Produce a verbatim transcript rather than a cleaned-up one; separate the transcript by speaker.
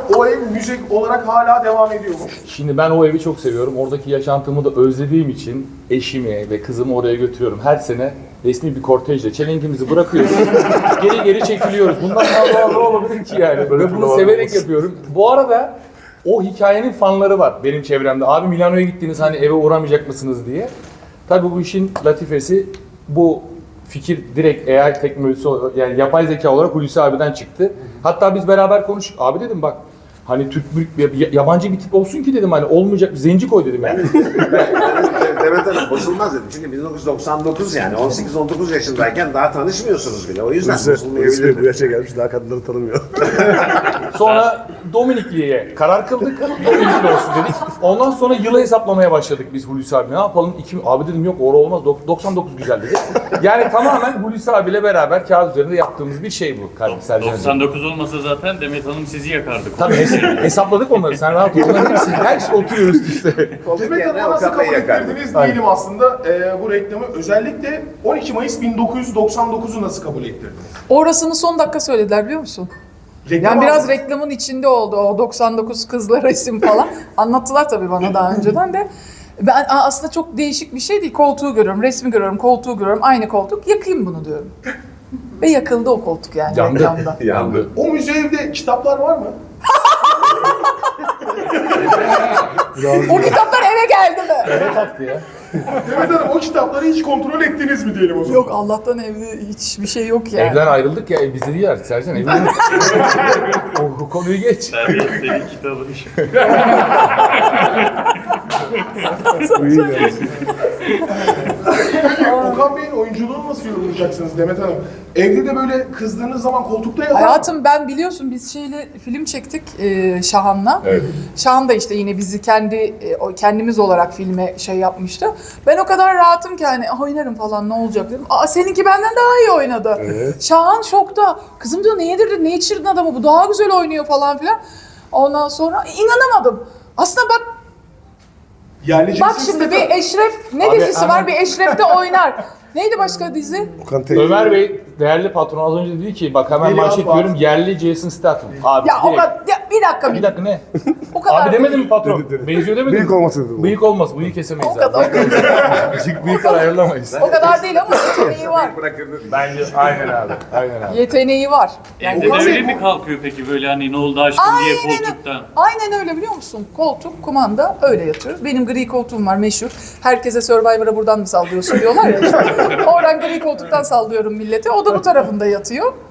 Speaker 1: o ev müze olarak hala devam ediyormuş.
Speaker 2: Şimdi ben o evi çok seviyorum. Oradaki yaşantımı da özlediğim için eşimi ve kızımı oraya götürüyorum. Her sene resmi bir kortejle çelenkimizi bırakıyoruz. geri geri çekiliyoruz. Bundan daha doğal ne olabilir ki yani? Böyle bunu severek yapıyorum. Bu arada o hikayenin fanları var benim çevremde. Abi Milano'ya gittiniz hani eve uğramayacak mısınız diye. Tabii bu işin latifesi bu fikir direkt A I teknolojisi yani yapay zeka olarak Hulusi abiden çıktı. Hatta biz beraber konuştuk. Abi dedim bak hani Türk bir yabancı bir tip olsun ki dedim hani olmayacak bir zenci koy dedim yani.
Speaker 3: Demet Hanım bozulmaz dedim. Çünkü bin dokuz yüz doksan dokuz yani on sekiz on dokuz yaşındayken daha tanışmıyorsunuz bile. O yüzden bozulmayabilir.
Speaker 4: Bu yaşa gelmiş daha kadınları tanımıyor.
Speaker 2: Sonra Dominikli'ye karar kıldık. Dominikli olsun dedik. Ondan sonra yılı hesaplamaya başladık biz Hulusi abi. Ne yapalım? İki, abi dedim yok orada olmaz. doksan dokuz güzel dedi. Yani tamamen Hulusi abiyle beraber kağıt üzerinde yaptığımız bir şey bu.
Speaker 5: doksan dokuz olmasa zaten Demet Hanım sizi yakardı.
Speaker 2: Tabii hes- hesapladık onları. Sen rahat ol. Onların hepsi, hepsi oturuyor üst üste.
Speaker 1: Demet Hanım'a nasıl kabul ettirdiniz diyelim aslında e, bu reklamı. Özellikle on iki Mayıs bin dokuz yüz doksan dokuzu nasıl kabul ettirdiniz?
Speaker 6: Orasını son dakika söylediler biliyor musun?
Speaker 1: Reklam
Speaker 6: Yani biraz
Speaker 1: aldınız.
Speaker 6: reklamın içinde oldu o doksan dokuz kızlar resim falan. Anlattılar tabii bana daha önceden de. Ben aslında çok değişik bir şey değil. Koltuğu görüyorum, resmi görüyorum, koltuğu görüyorum. Aynı koltuk. Yakayım bunu diyorum. Ve yakıldı o koltuk yani
Speaker 2: Yandı.
Speaker 6: reklamda.
Speaker 3: Yandı.
Speaker 1: O müze evde kitaplar var mı?
Speaker 6: O kitaplar eve geldi mi?
Speaker 2: Evet taktı ya.
Speaker 1: Demet Hanım o kitapları hiç kontrol ettiniz mi diyelim o zaman?
Speaker 6: Yok Allah'tan evde hiçbir şey yok yani.
Speaker 2: Evden ayrıldık ya biz de değil artık Sercan evden. o, o konuyu geç.
Speaker 5: Senin kitabın işi.
Speaker 1: Peki Okan Bey'in oyunculuğunu nasıl yorumlayacaksınız Demet Hanım? Evde de böyle kızdığınız zaman koltukta yatar.
Speaker 6: Hayatım ben biliyorsun biz şeyle film çektik e, Şahan'la.
Speaker 2: Evet.
Speaker 6: Şahan da işte yine bizi kendi e, o- kendimiz olarak filme şey yapmıştı. Ben o kadar rahatım ki hani "Ah, oynarım falan ne olacak dedim. Aa seninki benden daha iyi oynadı.
Speaker 4: Evet.
Speaker 6: Şahan şokta. Kızım diyor ne yedirdin ne içirdin adamı bu daha güzel oynuyor falan filan. Ondan sonra inanamadım. Aslında bak
Speaker 1: Yerli
Speaker 6: bak
Speaker 1: cinsi
Speaker 6: şimdi
Speaker 1: statü.
Speaker 6: bir Eşref ne
Speaker 2: Abi,
Speaker 6: dizisi
Speaker 2: hemen-
Speaker 6: var bir Eşref'te oynar. Neydi başka dizi?
Speaker 4: Okan Tey.
Speaker 2: Ömer Bey değerli patron az önce dedi ki bak hemen
Speaker 1: Geliyor
Speaker 2: manşet
Speaker 1: abi.
Speaker 2: diyorum yerli Jason Statham. Abi
Speaker 6: Ya o
Speaker 2: direkt.
Speaker 6: kadar ya, bir dakika
Speaker 2: Bir
Speaker 6: bir,
Speaker 2: dakika ne?
Speaker 6: o kadar.
Speaker 2: Abi demedin mi patron?
Speaker 4: Dedi, dedi.
Speaker 2: Benziyor demedin
Speaker 4: Bıyık
Speaker 2: mi?
Speaker 4: olması dedi bu.
Speaker 2: Bıyık olmaz. Bıyık kesemeyiz
Speaker 6: O kadar,
Speaker 2: abi.
Speaker 6: o kadar,
Speaker 2: Bıyık, bıyıklar ayarlamayız.
Speaker 6: o kadar değil ama yeteneği var.
Speaker 3: Bırakırdı.
Speaker 2: Bence aynen abi. Aynen abi.
Speaker 6: Yeteneği var.
Speaker 5: Evde de
Speaker 1: Okan
Speaker 5: öyle
Speaker 1: Bey,
Speaker 5: mi
Speaker 1: bu-
Speaker 5: kalkıyor peki böyle hani ne oldu aşkım diye
Speaker 6: Aynen,
Speaker 5: koltuktan?
Speaker 6: aynen öyle biliyor musun? Koltuk, kumanda öyle yatıyoruz. Benim gri koltuğum var meşhur. Herkese Survivor'a buradan mı sallıyorsun diyorlar ya işte. Oradan gri koltuktan sallıyorum millete. O da bu tarafında yatıyor.